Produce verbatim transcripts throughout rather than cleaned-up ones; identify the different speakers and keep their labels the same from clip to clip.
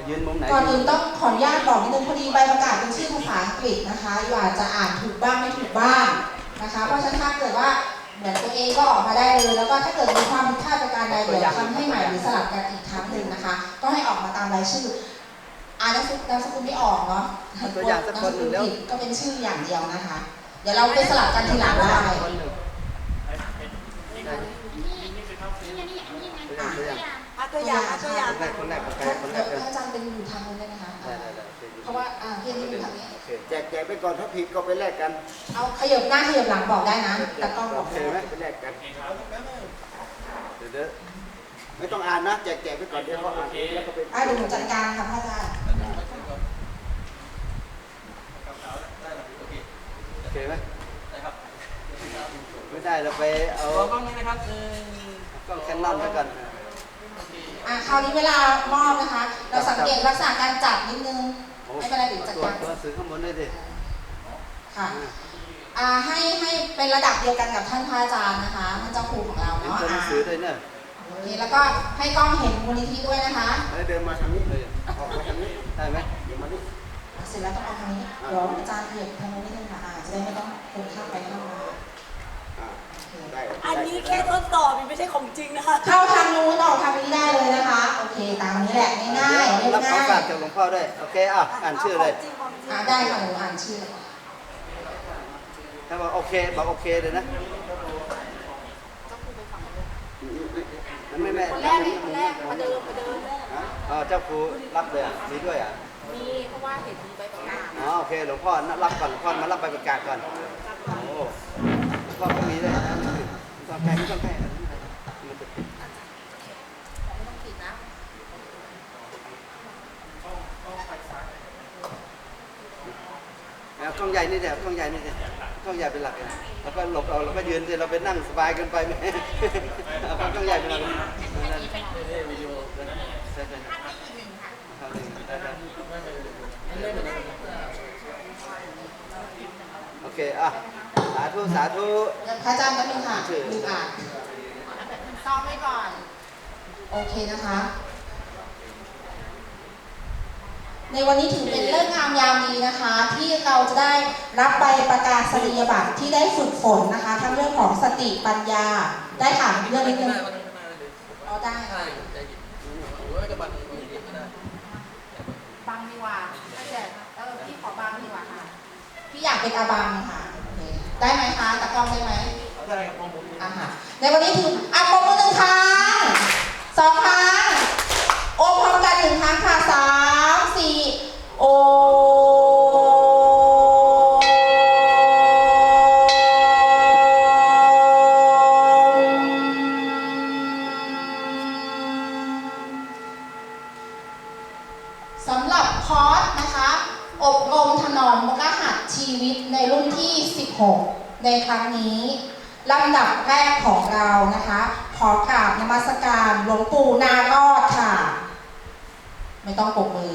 Speaker 1: จะยืนมุมไหน
Speaker 2: ก่อนอื่นต้องขออนุญาตบอกนิดนึงพอดีใบประกาศเป็นชื่อภาษาอังกฤษนะคะอยู่อาจจะอ่านถูกบ้างไม่ถูกบ้างนะคะเพราะฉะนั้นถ้าเกิดว่าเหมือนตัวเองก็ออกมาได้เลยแล้วก็ถ้าเกิดมีความผิดพลาดประการใดเดี๋ยวทำให้ใหม่หรือสลับกันอีกครั้งหนึ่งนะคะก็ให้ออกมาตามรายชื่ออ่านนามสกุลไม่ออกเนาะ
Speaker 1: ตัวอย่างสักคนหนึ่งแล้ว
Speaker 2: ก็เป็นชื่ออย่างเดียวนะคะเดี๋ยวเราไปสลับกันทีหลังได้
Speaker 3: ตัวอย่างตัวอย่าง
Speaker 1: คนแรกคนแรกคนแรกคนแรก
Speaker 2: อาจารย์เป็นอยู่ทางนู้นได้ไหมคะเพราะว่าอ่าเพี่อนอยู่ทางนี้
Speaker 1: แจกแจกไปก่อนถ้าผิดก็ไปแลกกัน
Speaker 2: เอาขยับหน้าขยับหลังบอกได้นะแต่กล้องบอก
Speaker 1: ได้ไหมไปแลกกันเดี๋ยวไม่ต้องอ่านนะแจกแจกไปก่อนเดี๋ยวเขาอ่านแล้วก็ไป
Speaker 2: อ่าเดี๋ยวหนูจัดการค่ะพระอาจารย์
Speaker 1: โอเคไหมไม่ได้เราไปเอา
Speaker 4: กล้องนี้นะครับ
Speaker 1: กล้องแคนนอนไปก่อน
Speaker 2: อ่ะคราวนี้เวลามอบนะคะเราสังเกตลักษณะการจับนิดนึงไม่เป็นไรเดี๋ยวจัดการ
Speaker 1: ตัวสื่อข้างบนได้ดิ
Speaker 2: ค่ะอ่าให้ให้เป็นระดับเดียวกันกับท่านพระอาจารย์นะคะท่านเจ้าครูของเราเนาะ
Speaker 1: อ่าสื่อด้วยเนี่ย
Speaker 2: โอเคแล้วก็ให้กล้องเห็นมูลนิธิด้วยนะคะ
Speaker 1: เดินมาทางนี้เลยออกมาทางนี้ได้ไหมเดี๋ยวมาดิ
Speaker 2: เสร็จแล้วต้องเอาทางนี้เดี๋ยวอาจารย์เหยียบทางนู้นนิดนึงค่ะอ่าจะได้ไม่ต้องคนข้ามไปข้ามมา
Speaker 3: อันนี้แค่ทดสอบไม่ใช่ของจริงนะคะ
Speaker 2: เข้าทางนู้นออกทางนี้ได้เลยนะคะโอเคตามนี้แหละง่ายๆเรียบ
Speaker 1: ง่ายรับของฝากจากหลวงพ่อด้วยโอเคอ่ะอ่านชื่อเลย
Speaker 2: อ่าได้ค่ะหนูอ่านชื่อ
Speaker 1: ถ้าบอกโอเคบอกโอเคเลยนะไม่ไม่
Speaker 3: คนแรกนี่คนแรกมาเดินมาเดิน
Speaker 1: อ๋อเจ้าครูรับเลยมีด้วยอ่ะ
Speaker 3: มีเพราะว่าเห็นมีใบประกาศ
Speaker 1: อ๋อโอเคหลวงพ่อรับก่อนหลวงพ่อมารับใบประกาศก่อนโอ้หลวงพ่อก็มีด้วยนะต้องแพ้ไม่ต้องแพ้
Speaker 3: ไม่ต้องผิดนะ
Speaker 1: แล้วกล้องใหญ่นี่เดี๋ยวกล้องใหญ่นี่เดี๋ยวกล้องใหญ่เป็นหลักนะแล้วก็หลบเอาแล้วก็ยืนเดี๋ยวเราไปนั่งสบายกันไปไหมเอากล้องใหญ่เป็นหลักวิดีโอใช่ใช่โอเคอ่ะสาธุสาธุ
Speaker 2: พระอาจารย์ก็มีค่ะลืมอ่านซ้อมไว้ก่อนโอเคนะคะในวันนี้ถือเป็นเรื่องงามยามดีนะคะที่เราจะได้รับใบประกาศนียบัตรที่ได้ฝึกฝนนะคะทั้งเรื่องของสติปัญญาได้ค่ะเรื่องนิดนึงอ๋อได้ค่ะบังดีกว่าถ้าเกิดเออพี่ขอบังดีกว่าค่ะพี่อยากเป็นอาบังค่ะได้ไหมคะตะกล้องได้ไหม
Speaker 4: ได้ครับผม
Speaker 2: อ่าค่ะในวันนี้ถืออ่ะปมมือหนึ่งครั้งสองครั้งโอมพร้อมกันหนึ่งครั้งค่ะสามสี่โอสำหรับคอร์สนะคะอบรมถนอมมกหัตชีวิตในรุ่นที่สิบหกในครั้งนี้ลำดับแรกของเรานะคะขอกราบนมัสการหลวงปู่นารอดค่ะไม่ต้องปรบมือ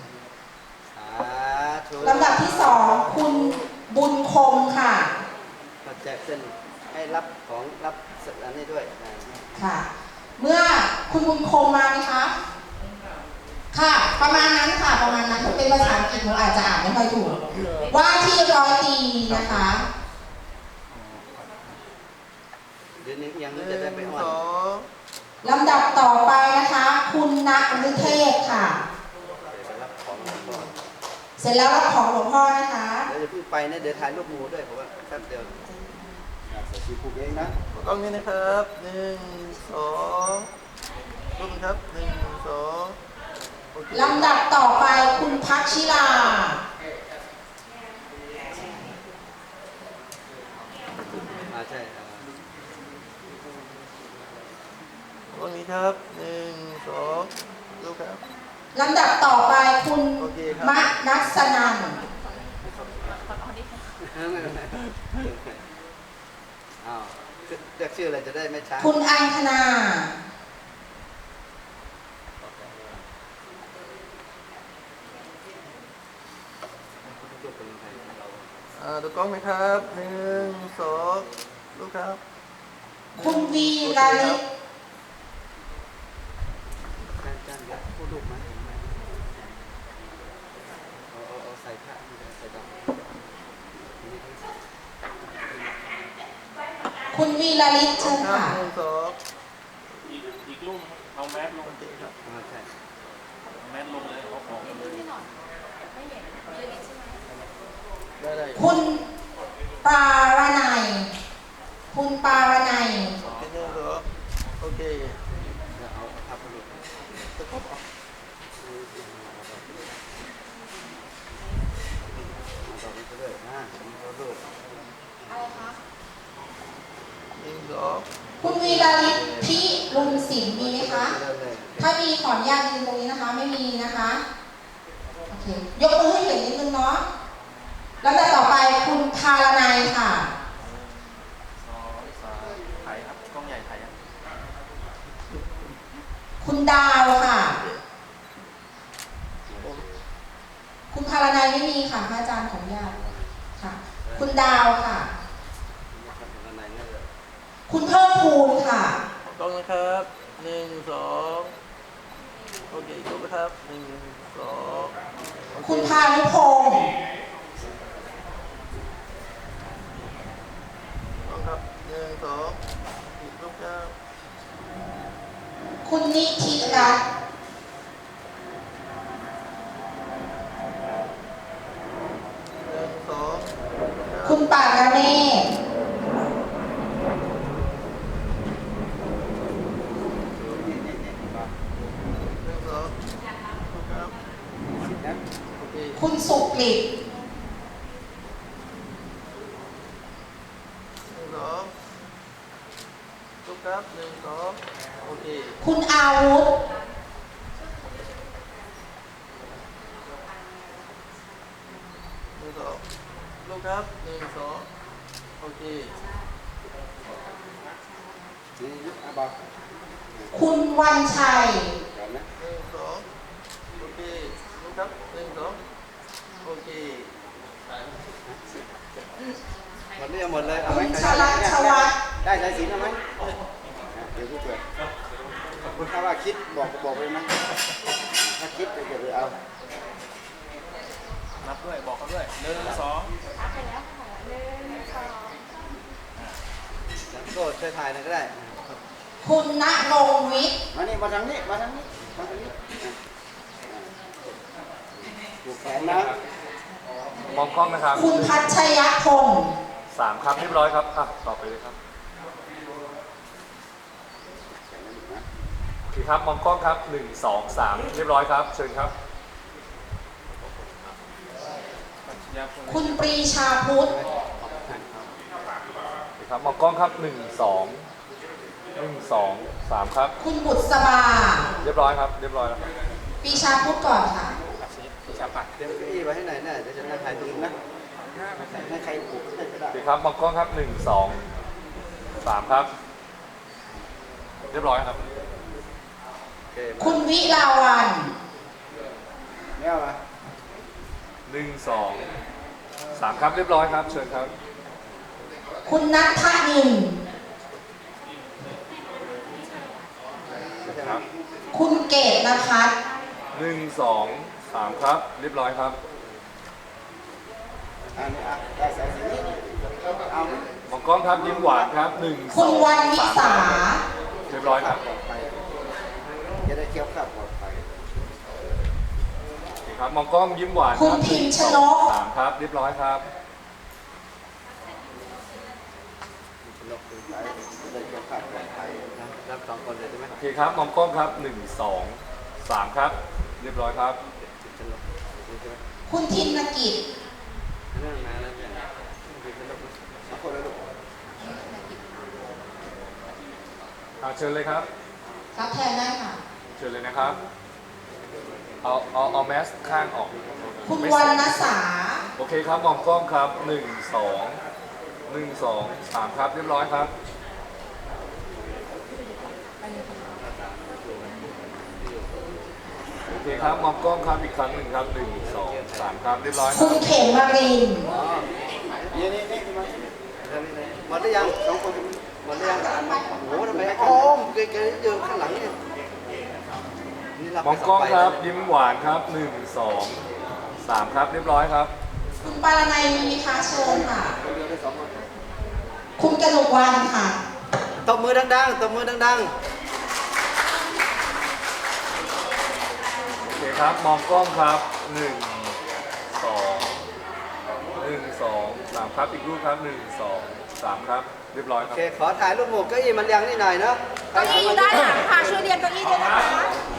Speaker 2: ลำดับที่สองคุณบุญคงค่ะ
Speaker 1: มาแจกเส้นให้รับของรับสัญญาณนี้ด้วย
Speaker 2: ค่ะเมื่อคุณบุญคงมาไหมคะค่ะประมาณนั้นค่ะประมาณนั้นเป็นภาษาอังกฤษหนูอาจจะอ่านไม่ค่อยถูกว่าที่ร้อยตีนะคะ
Speaker 1: เดี๋ยวนี้ยังจะได้ไปอ่อน
Speaker 2: ลำดับต่อไปนะคะคุณณฤเทพค่ะเสร็จแล้วรับของหลวงพ่อนะคะ
Speaker 1: เดี๋ยวจะพูดไปนะเดี๋ยวถ่ายรูปหมู่ด้วยเพราะว่าแป๊บเดียวใส่ชีผูกเองนะ
Speaker 4: กล้องนี้นะครับหนึ่งสองรูปครับหนึ่งสอง
Speaker 2: ลำดับต่อไปคุณพักชิลา
Speaker 1: อ่าใช่
Speaker 4: ตรงนี้ครับหนึ่งสองดูครับ
Speaker 2: ลำดับต่อไปคุณมะนัสนัน
Speaker 1: อ้าวเรียกชื่ออะไรจะได้ไม่ช้า
Speaker 2: คุณอังคณา
Speaker 4: อ่าดูกล้องไหมครับหนึ่งสองดูครับ
Speaker 2: คุณวีลาลิ
Speaker 1: พูดลูกไหม
Speaker 2: คุณวีรลิศเชิญ
Speaker 4: ครับ
Speaker 2: ค่ะ
Speaker 4: หนึ่งสอง
Speaker 5: อีกอีกรูปเอาแมสลง
Speaker 4: โอเคครับ
Speaker 1: อ่าใช่
Speaker 5: เอาแมสลงเลยเอาของเลย
Speaker 4: ได้ได้
Speaker 2: คุณปารนัย คุณปารนัย
Speaker 4: โอเคหนึ่งสองโอเค
Speaker 1: เดี๋ยวเอาภาพไปดู
Speaker 4: ตะกบออก
Speaker 1: เอาต่อไปเรื่อยๆนะผมก็ดู
Speaker 4: หนึ่งสอง
Speaker 2: คุณวีรลิศพิรุณศิลป์มีไหมคะ
Speaker 1: เรื่อย
Speaker 2: ถ้ามีขออนุญาตยืนตรงนี้นะคะ ไม่มีนะคะ โอเค ยกมือให้เห็นนิดนึงเนาะ แล้วแต่ต่อไปคุณธารนัยค่ะ
Speaker 5: สองสามถ่ายครับกล้องใหญ่ถ่ายครับ
Speaker 2: คุณดาวค่ะ
Speaker 4: ผม
Speaker 2: คุณธารนัยไม่มีค่ะพระอาจารย์ของญาติค่ะ คุณดาวค่ะ
Speaker 1: ๆนะครับข้างในเนี่ยเลย
Speaker 2: คุณเพิ่มพูนค่ะ
Speaker 4: ต้องนะครับหนึ่งสองโอเคครบนะครับหนึ่งสองโอเ
Speaker 2: คุณพานุพงศ์
Speaker 4: ต้องครับหนึ่งสองอีกรูปครับ
Speaker 2: คุณนิธิรัตน์
Speaker 4: หนึ่งสองครับ
Speaker 2: คุณปากระเนศ
Speaker 4: หนึ่งสองรูปครับ
Speaker 1: นะ
Speaker 4: โอเค
Speaker 2: คุณสุกฤต
Speaker 4: หนึ่งสองรูปครับหนึ่งสองโอเค
Speaker 2: คุณอาวุธ
Speaker 4: หนึ่งสองรูปครับหนึ่งสองโอเค
Speaker 1: นี่ยุบอ่ะบอก
Speaker 2: คุณวันชัย
Speaker 1: ก่อนนะ
Speaker 4: หนึ่งสองโอเครูปครับหนึ่งสองโอเค
Speaker 1: หมดเรื่องหมดเลยเอาไหม
Speaker 2: คุณชลัดชวัฒน์
Speaker 1: ได้สายสิญจน์เอาไหมเดี๋ยวกูเปิดถ้าว่าคิดบอกบอกไปไหมถ้าคิดเดี๋ยวไปเอา
Speaker 5: นับด้วยบอกเขาด้วยหนึ่งสอง
Speaker 1: โซ่ช่วยถ่ายหน่อยก็ได้
Speaker 2: คุณณรงค์วิทย์
Speaker 1: มานี่มาทางนี้มาทางนี้มาทางนี้ผูกแขนนะ
Speaker 6: มองกล้องนะครับ
Speaker 2: คุณพัชยพงศ์
Speaker 6: สามครับเรียบร้อยครับอ่ะต่อไปเลยครับโอเคครับมองกล้องครับหนึ่งสองสามเรียบร้อยครับเชิญครับ
Speaker 5: ยาคน
Speaker 2: คุณปรีชาพุทธ
Speaker 6: โอเคครับมองกล้องครับหนึ่งสองหนึ่งสองสามครับ
Speaker 2: คุณบุษบา
Speaker 6: เรียบร้อยครับเรียบร้อยแล้วครับ
Speaker 2: ปรีชาพุทธก่อนค่ะ
Speaker 5: ชาปัด
Speaker 1: เดี๋ยวเก้าอี้ไว้ให้ไหนน่ะเดี๋ยวจะนั่งถ่ายตัวเองนะให้ใครผูกให้ก็ได้
Speaker 6: โอเคครับมองกล้องครับหนึ่งสองสามครับ เรียบร้อยครับ
Speaker 1: โอเค
Speaker 2: คุณวิลาวัน
Speaker 1: ไม่เอามา
Speaker 6: หนึ่งสองสามครับเรียบร้อยครับเชิญครับ
Speaker 2: คุณนัทนิน
Speaker 6: ครับ
Speaker 2: คุณเกตนภัส
Speaker 6: หนึ่งสองสามครับเรียบร้อยครับ
Speaker 1: อันนี้อ่ะได้สายสิญจน์เอาไหม
Speaker 6: มองกล้องครับยิ้มหวานครับหนึ่งส
Speaker 2: คุ
Speaker 6: อ
Speaker 2: ณ
Speaker 6: ง
Speaker 2: วันวิ
Speaker 6: สาม
Speaker 2: สา
Speaker 6: เรียบร้อยครับ
Speaker 1: ปลอดภัยจะได้เคี้ยวข้าวปลอดภัย
Speaker 6: โอเคครับมองกล้องยิ้มหวานค
Speaker 2: คุ
Speaker 6: รั
Speaker 2: ณ
Speaker 6: บ
Speaker 2: พิมพ์ชนก
Speaker 6: สามครับเรียบร้อยครับ
Speaker 1: นกตื่นสายจะได้เคี้ยวข้าวปลอดภัยนะรับสองคนเลยใช่ไหม
Speaker 6: โอเคครับมองกล้องครับหนึ่งสองสามครับ เรียบร้อยครับ
Speaker 1: ชนกนี่ใช่ไหม
Speaker 2: คุณทินกิจ
Speaker 1: เรื่องนานแล้วเนี่ยคือชนกสองคนเลยลูก
Speaker 6: อ่าเชิญเลยครับ
Speaker 2: รับแทนได้ค่ะ
Speaker 6: เชิญเลยนะครับ เอาเอาเอาแมสข้างออก
Speaker 2: คุณ
Speaker 6: ไม่
Speaker 2: วร
Speaker 6: ใส่
Speaker 2: รณสา
Speaker 6: โอเคครับมองกล้องครับหนึ่งสองหนึ่งสองสามครับเรียบร้อยครับ โอเคครับมองกล้องครับอีกครั้งหนึ่งครับหนึ่งสองสามครับเรียบร้อยค
Speaker 2: คุ
Speaker 6: รับ
Speaker 2: ณเขมมาริน
Speaker 1: อ๋อนี่นี่นี่มาหมดหรือยังสองคนหมดหรือยังโอ้โหทำไมอ๋อเกยๆยืนข้างหลังเนี่ยนี่เรา
Speaker 6: มองกล้องครับยิ้มหวานครับหนึ่งสองสามครับเรียบร้อยครับ
Speaker 2: คุณปารนัยมีไหมคะเชิญค่ะ
Speaker 1: เดียวได้สองคน
Speaker 6: โ
Speaker 2: คุณกนกวรรณค่ะ
Speaker 1: ตบมือดังๆตบมือดัง
Speaker 6: โอเคครับ มองกล้องครับหนึ่งสองหนึ่งสองสามครับอีกรูปครับหนึ่งสองสามครับเรียบร้อย
Speaker 1: ๆ
Speaker 6: ค
Speaker 1: โอ
Speaker 6: รับ
Speaker 1: เคขอถ่ายรูปหมู่เก้าอี้มันเรียงนิดหน่อยเนาะ
Speaker 3: เก้าอี้อยู่ด้านหลังค่ะ ช่วยเรียนเก้าอี้ด้วยนะคะ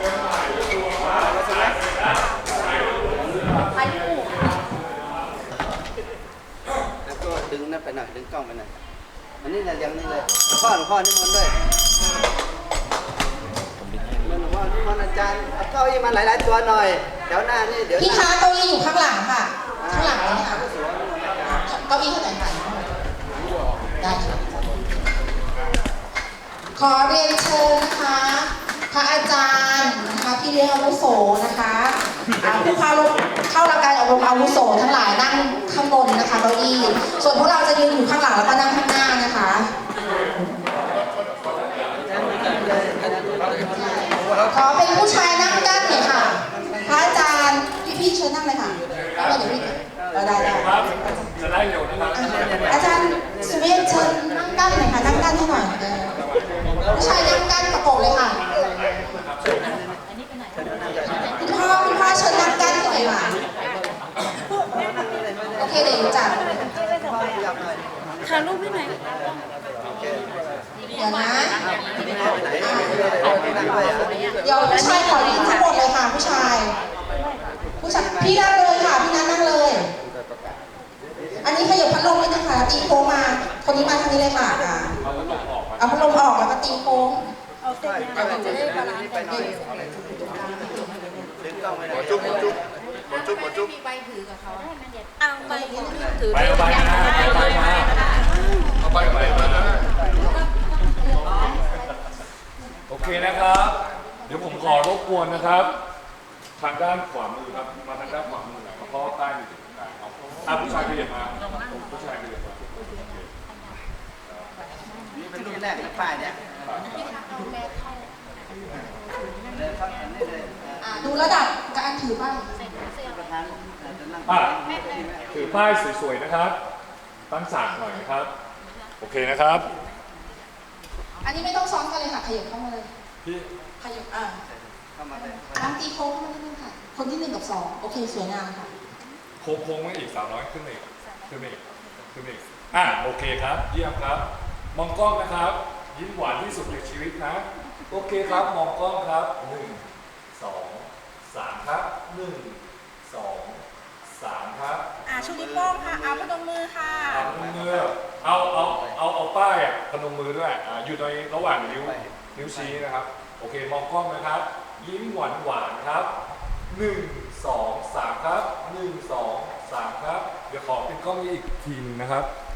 Speaker 3: ถ่ายรูป
Speaker 1: แล้วก็ดึงนั่นไปหน่อยดึงกล้องไปหน่อยอันนี้นะเรียงนี่เลยหลวงพ่อหลวงพ่อนี่มันต์ด้วยหลวงพ่อนี่มันต์อาจารย์เอาเก้าอี้มาหลายๆตัวหน่อยเดี๋ยวหน้านี่เดี๋ยว
Speaker 2: พี่
Speaker 1: หน้า
Speaker 2: คะเก้าอี้อยู่ข้างหลังค่ะ ข้างหลังเลยค่ะ
Speaker 1: สวยนี่มันต์อาจารย์
Speaker 2: เก้าอี้เท่าไหร่คะได้ค่ะ ขอเรียนเชิญนะคะ พระอาจารย์นะคะพี่เลี้ยงอาวุโสนะคะอ่าผู้เข้าเข้ารับการอบรมอาวุโสทั้งหลายนั่งข้างบนนะคะเก้าอี้ ส่วนพวกเราจะยืนอยู่ข้างหลังแล้วก็นั่งข้างหน้านะคะ ขอเป็นผู้ชายนั่งกั้นหน่อยค่ะ พระอาจารย์พี่ๆเชิญนั่งเลยค่ะไม่เดี๋ยวพี่เราได้ได้
Speaker 6: ครับจะได้เร็วนะครับ
Speaker 2: อาจารย์สุเมธเชิญนั่งกั้นหน่อยค่ะนั่งกั้นให้หน่อยเออผู้ชายนั่งกั้นประกบเลยค่ะคุณพ่อคุณพ่อเชิญนั่งกั้นให้หน่อยค่ะโอเคเดี๋ยวหนูจัด
Speaker 1: พ่อขยับหน่อย
Speaker 3: ถ่ายรูปให้หน่อย
Speaker 2: เดี๋ยวนะ
Speaker 1: ไม่ได้ไปไหนไม่ได้ไปไหน
Speaker 2: เดี๋ยวผู้ชายขอยืนทั้งหมดเลยค่ะ ผู้ชาย ผู้ชายพี่นั่งเลยค่ะพี่นัทนั่งเลย อันนี้ขยับพัดลมนิดนึงค่ะตีโค้งมา คนนี้มาทางนี้เลยค่ะอ่าเอาพัดลมออกแล้วก็ตีโค้ง
Speaker 3: เอาเสร็จแล้วจะได้บาลานซ์กันดี
Speaker 1: ดึงกล้องไปหน่อย
Speaker 6: จุ๊บจุ๊บจุ๊บจุ๊บ
Speaker 3: มีใบถือกับเขาเอาใบถือ
Speaker 6: ไปเอาไปมาไปไปมาเอาไปไปมาโอเคนะครับ เดี๋ยวผมขอรบกวนนะครับ ทางด้านขวามือครับ มาทางด้านขวามือเพราะว่าใต้มีจุดกลางเอาอ่ะผู้ชายขยับมาผู้ชายขยับมา
Speaker 1: นี่เป็นรูปแรกนะป้ายเนี่ยเลยครับอันนี้เลย
Speaker 2: อ่าดูระดับการถือป้าย
Speaker 1: ประธานจะนั่ง
Speaker 6: อ่ะถือป้ายสวยๆนะครับ ตั้งฉากหน่อยนะครับ โอเคนะครับ
Speaker 2: อันนี้ไม่ต้องซ้อนกันเลยค่ะขยับเข้ามาเลย
Speaker 6: พี่
Speaker 2: ขยับอ่า
Speaker 1: เข้ามาเลย
Speaker 2: น้ำตีโค้งเข้ามานิดนึงค่ะ คนที่หนึ่งกับสองโอเคสวยงามค่ะ
Speaker 6: โค้งโค้งมาอีกสาวน้อยขึ้นมาอีกขึ้นมาอีกขึ้นมาอีกอ่ะโอเคครับ เยี่ยมครับ มองกล้องนะครับ ยิ้มหวานที่สุดในชีวิตนะ โอเคครับ มองกล้องครับหนึ่งสองสามครับหนึ่งสองสามครับ
Speaker 3: อ่าชูนิ้วโป้งค่ะ เอาพนมมือค่ะ
Speaker 6: เอาพนมมือเอาเอาเอาเอาป้ายอ่ะพนมมือด้วยอ่าอยู่ในระหว่างนิ้วนิ้วชี้นะครับ โอเคมองกล้องนะครับ ยิ้มหวานหวานครับหนึ่งสองสามครับหนึ่งสองสามครับเดี๋ยวขอเป็นกล้องนี้อีกทีหนึงนะครับ